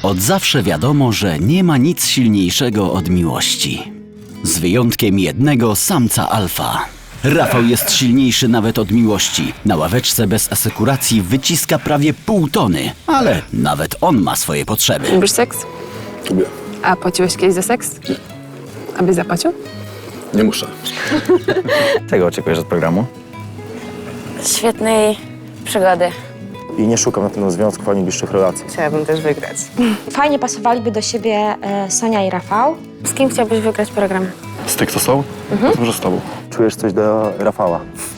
Od zawsze wiadomo, że nie ma nic silniejszego od miłości. Z wyjątkiem jednego samca alfa. Rafał jest silniejszy nawet od miłości. Na ławeczce bez asekuracji wyciska prawie pół tony, ale nawet on ma swoje potrzeby. Lubisz seks? Lubię. A płaciłeś kiedyś za seks? Abyś zapłacił? Nie muszę. Czego oczekujesz od programu? Świetnej przygody. I nie szukam na pewno związków ani bliższych relacji. Chciałabym też wygrać. Fajnie pasowaliby do siebie Sonia i Rafał. Z kim chciałbyś wygrać program? Z tych, co są? Może z tobą. Czujesz coś do Rafała?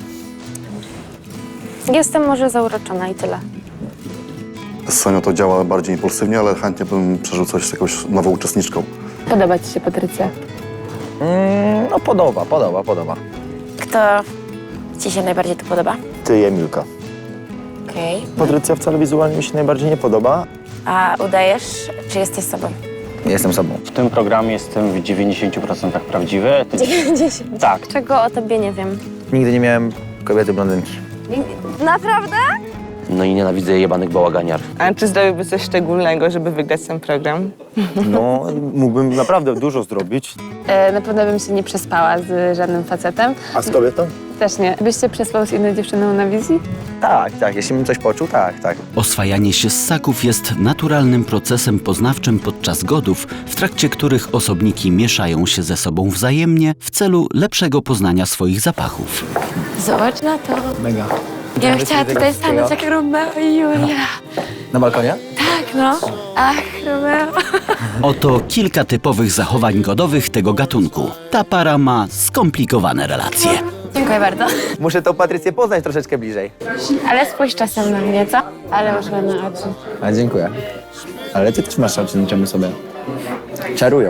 Jestem może zauroczona i tyle. Z Sonią to działa bardziej impulsywnie, ale chętnie bym przeżył coś z jakąś nową uczestniczką. Podoba ci się Patrycja? No podoba. Kto ci się najbardziej tu podoba? Ty i Emilka. Okej. Patrycja wcale wizualnie mi się najbardziej nie podoba. A udajesz, czy jesteś sobą? Jestem sobą. W tym programie jestem w 90% prawdziwy. 90. Tak. Czego o tobie nie wiem? Nigdy nie miałem kobiety blondynki. Naprawdę? No i nienawidzę jebanych bałaganiar. A czy zrobiłby coś szczególnego, żeby wygrać ten program? No, mógłbym naprawdę dużo zrobić. Na pewno bym się nie przespała z żadnym facetem. A z kobietą? Też nie. Byś się przespał z inną dziewczyną na wizji? Tak. Jeśli bym coś poczuł, tak. Oswajanie się ssaków jest naturalnym procesem poznawczym podczas godów, w trakcie których osobniki mieszają się ze sobą wzajemnie w celu lepszego poznania swoich zapachów. Zobacz na to. Mega. Ja bym chciała tutaj stanąć jak Romeo i Julia. Na balkonie? Tak, no. Ach, Romeo. Oto kilka typowych zachowań godowych tego gatunku. Ta para ma skomplikowane relacje. Dziękuję bardzo. Muszę tą Patrycję poznać troszeczkę bliżej. Ale spójrz czasem na mnie, co? Ale masz ładne oczy. A dziękuję. Ale ty też masz oczy niczemu sobie. Czarują.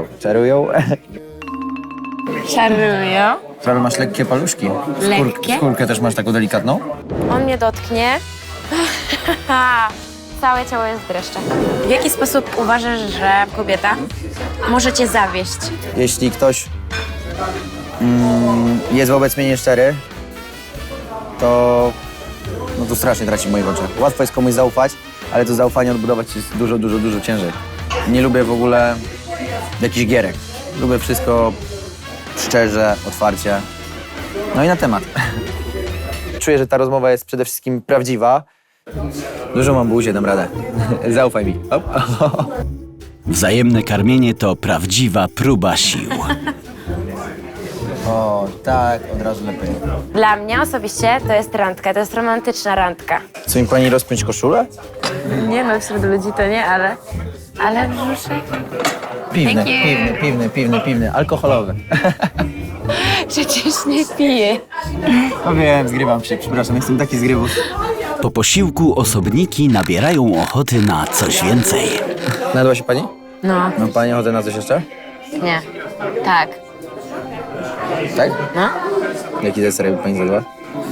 Czarują. Prawie masz lekkie paluszki. Lekkie? Skórkę też masz taką delikatną? On mnie dotknie. Całe ciało jest w dreszcze. W jaki sposób uważasz, że kobieta może cię zawieść? Jeśli ktoś jest wobec mnie nieszczery, to strasznie traci w moich oczach. Łatwo jest komuś zaufać, ale to zaufanie odbudować jest dużo ciężej. Nie lubię w ogóle jakichś gierek. Lubię wszystko szczerze, otwarcie. No i na temat. Czuję, że ta rozmowa jest przede wszystkim prawdziwa. Dużo mam buzię, dam radę. Zaufaj mi. Hop. Wzajemne karmienie to prawdziwa próba sił. O, tak, od razu lepiej. Dla mnie osobiście to jest randka, to jest romantyczna randka. Chce mi pani rozpiąć koszulę? Nie no, wśród ludzi to nie, ale... Ale brzuszek... Piwny, alkoholowy. Przecież nie piję. No wiem, zgrywam się, przepraszam, jestem taki zgrywów. Po posiłku osobniki nabierają ochoty na coś więcej. Nadła się pani? No, Ma pani ochotę na coś jeszcze? nie. Tak. Tak? No. Jaki deser by pani zjadła?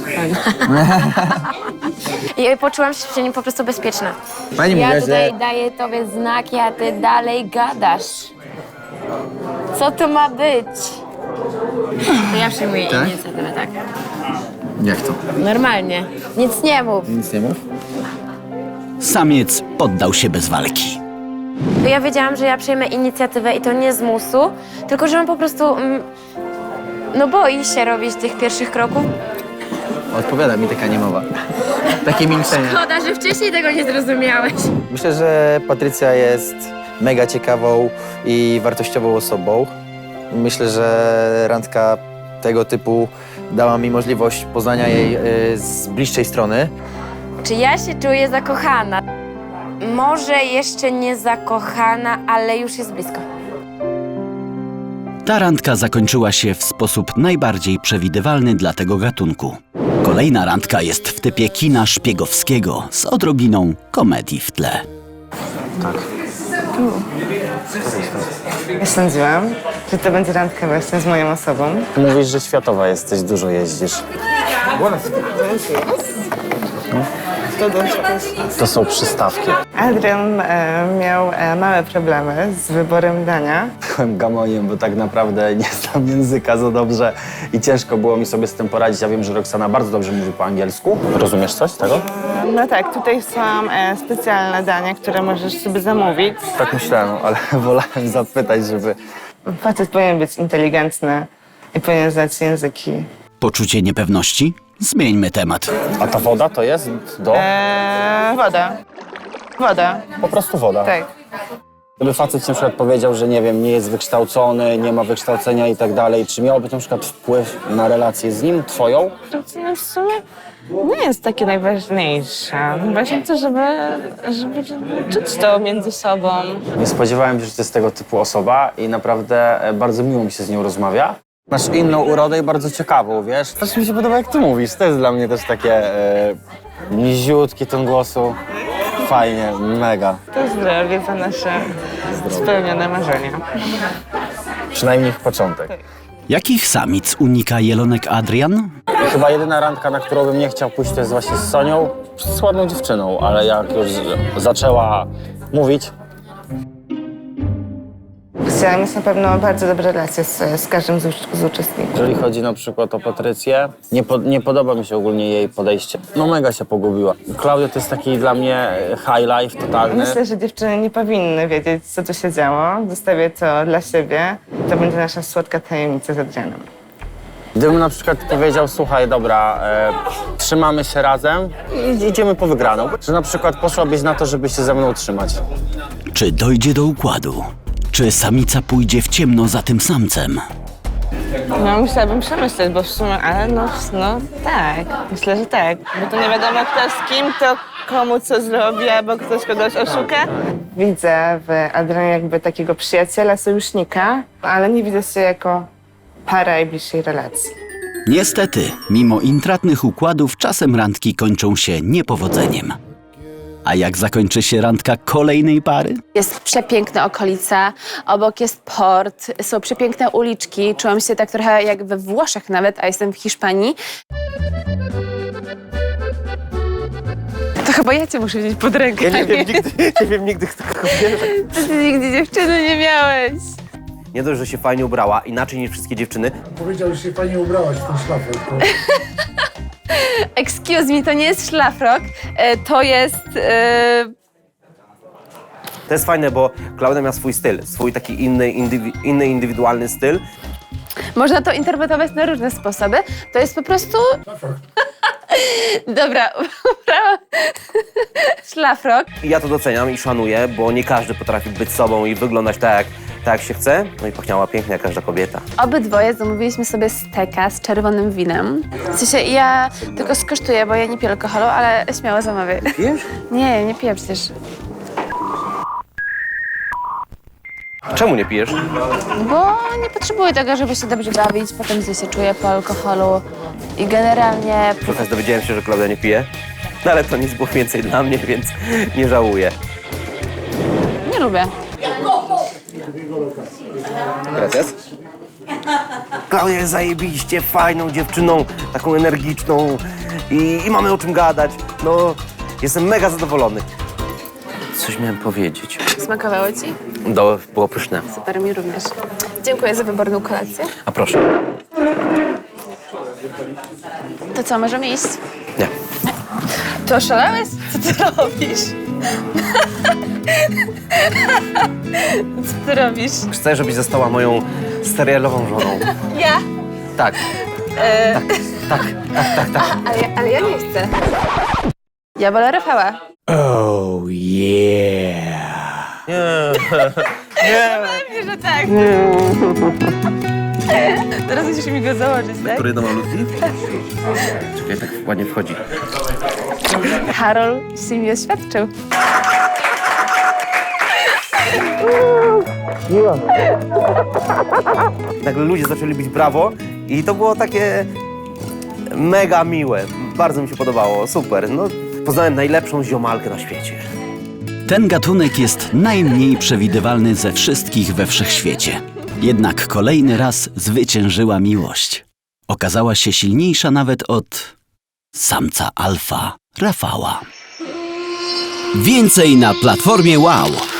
I poczułam się przy nim po prostu bezpieczna. Pani Ja mówiła, tutaj że... daję tobie znaki, a ty dalej gadasz. Co to ma być? To ja przyjmuję Tak? inicjatywę, tak. Jak to? Normalnie. Nic nie mów. Nic nie mów? Samiec poddał się bez walki. To ja wiedziałam, że ja przyjmę inicjatywę i to nie z musu, tylko że on po prostu... no boi się robić tych pierwszych kroków. Odpowiada mi taka niemowa. Takie milczenie. Szkoda, że wcześniej tego nie zrozumiałeś. Myślę, że Patrycja jest mega ciekawą i wartościową osobą. Myślę, że randka tego typu dała mi możliwość poznania jej z bliższej strony. Czy ja się czuję zakochana? Może jeszcze nie zakochana, ale już jest blisko. Ta randka zakończyła się w sposób najbardziej przewidywalny dla tego gatunku. Kolejna randka jest w typie kina szpiegowskiego z odrobiną komedii w tle. Ja sądziłam, że to będzie randka właśnie z moją osobą. Mówisz, że światowa jesteś, dużo jeździsz. To są przystawki. Adrian miał małe problemy z wyborem dania. Byłem gamoniem, bo tak naprawdę nie znam języka za dobrze i ciężko było mi sobie z tym poradzić. Ja wiem, że Roxana bardzo dobrze mówi po angielsku. Rozumiesz coś z tego? No tak, tutaj są specjalne dania, które możesz sobie zamówić. Tak myślałem, ale wolałem zapytać, żeby... Facet powinien być inteligentny i powinien znać języki. Poczucie niepewności? Zmieńmy temat. A ta woda to jest do... Woda. Woda, Po prostu woda. tak. Gdyby facet ci na przykład powiedział, że nie wiem, nie jest wykształcony, nie ma wykształcenia i tak dalej, czy miałoby to na przykład wpływ na relację z nim, twoją? W sumie nie jest takie najważniejsze. Ważne to, żeby czuć to między sobą. Nie spodziewałem się, że to jest tego typu osoba i naprawdę bardzo miło mi się z nią rozmawia. Masz inną urodę i bardzo ciekawą, wiesz? Też mi się podoba, jak ty mówisz. To jest dla mnie też takie niziutki ton głosu. Fajnie, mega. To zdrowie za nasze spełnione marzenia. Przynajmniej ich początek. Jakich samic unika jelonek Adrian? Chyba jedyna randka, na którą bym nie chciał pójść, to jest właśnie z Sonią. Z ładną dziewczyną, ale jak już zaczęła mówić, Chciałam mieć na pewno bardzo dobre relacje z każdym z uczestników. jeżeli chodzi na przykład o Patrycję, nie podoba mi się ogólnie jej podejście. No mega się pogubiła. Klaudia to jest taki dla mnie high life totalny. Myślę, że dziewczyny nie powinny wiedzieć, co tu się działo. Zostawię to dla siebie. To będzie nasza słodka tajemnica z Adrianem. Gdybym na przykład powiedział, słuchaj, dobra, trzymamy się razem i idziemy po wygraną. Że na przykład poszłabyś na to, żeby się ze mną utrzymać. Czy dojdzie do układu? Czy samica pójdzie w ciemno za tym samcem? No, musiałabym przemyśleć, bo w sumie, ale no tak, myślę, że tak. Bo to nie wiadomo kto z kim, to komu co zrobi, albo ktoś kogoś oszuka. Widzę w Adrianie jakby takiego przyjaciela, sojusznika, ale nie widzę się jako para i bliższej relacji. Niestety, mimo intratnych układów, czasem randki kończą się niepowodzeniem. A jak zakończy się randka kolejnej pary? Jest przepiękna okolica, obok jest port, są przepiękne uliczki. Czułam się tak trochę jak we Włoszech nawet, a jestem w Hiszpanii. To chyba ja cię muszę wziąć pod rękę. Ja nie wiem nigdy kto wie. Ty nigdy dziewczyny nie miałeś. Nie dość, że się fajnie ubrała, inaczej niż wszystkie dziewczyny. Powiedział, że się fajnie ubrałaś w ten szlafrok. Excuse me, to nie jest szlafrok, to jest... To jest fajne, bo Klaudia miała swój styl, swój taki inny indywidualny styl. Można to interpretować na różne sposoby. To jest po prostu... Dobra, ubrałam szlafrok. I ja to doceniam i szanuję, bo nie każdy potrafi być sobą i wyglądać tak jak się chce. No i pachniała pięknie jak każda kobieta. Obydwoje zamówiliśmy sobie steka z czerwonym winem. W sensie ja tylko skosztuję, bo ja nie piję alkoholu, ale śmiało zamawiaj. Pijesz? Nie piję przecież. Czemu nie pijesz? Bo nie potrzebuję tego, żeby się dobrze bawić, potem źle się czuję po alkoholu i generalnie... Trochę dowiedziałem się, że Klaudia nie pije. No ale to nic było więcej dla mnie, więc nie żałuję. Nie lubię. Gracias. Klaudia jest zajebiście fajną dziewczyną, taką energiczną i mamy o czym gadać. No, jestem mega zadowolony. Coś miałem powiedzieć. Smakowało ci? Było pyszne. Super, mi również. Dziękuję za wyborną kolację. A proszę. To co, możemy iść? Nie. To oszalałeś? Co ty robisz? Co ty robisz? Chcę, żebyś została moją serialową żoną. Ja? Tak. Tak. Ale ja nie chcę. Ja wolę Rafała. Oh yeah! Pewnie, że tak. Teraz musisz mi go założyć, tak? Który do malutki? Czekaj, tak ładnie wchodzi. Karol się mi oświadczył. Nagle ludzie zaczęli bić brawo i to było takie mega miłe. Bardzo mi się podobało, super. No, poznałem najlepszą ziomalkę na świecie. Ten gatunek jest najmniej przewidywalny ze wszystkich we wszechświecie. Jednak kolejny raz zwyciężyła miłość. Okazała się silniejsza nawet od samca alfa, Rafała. Więcej na platformie Wow.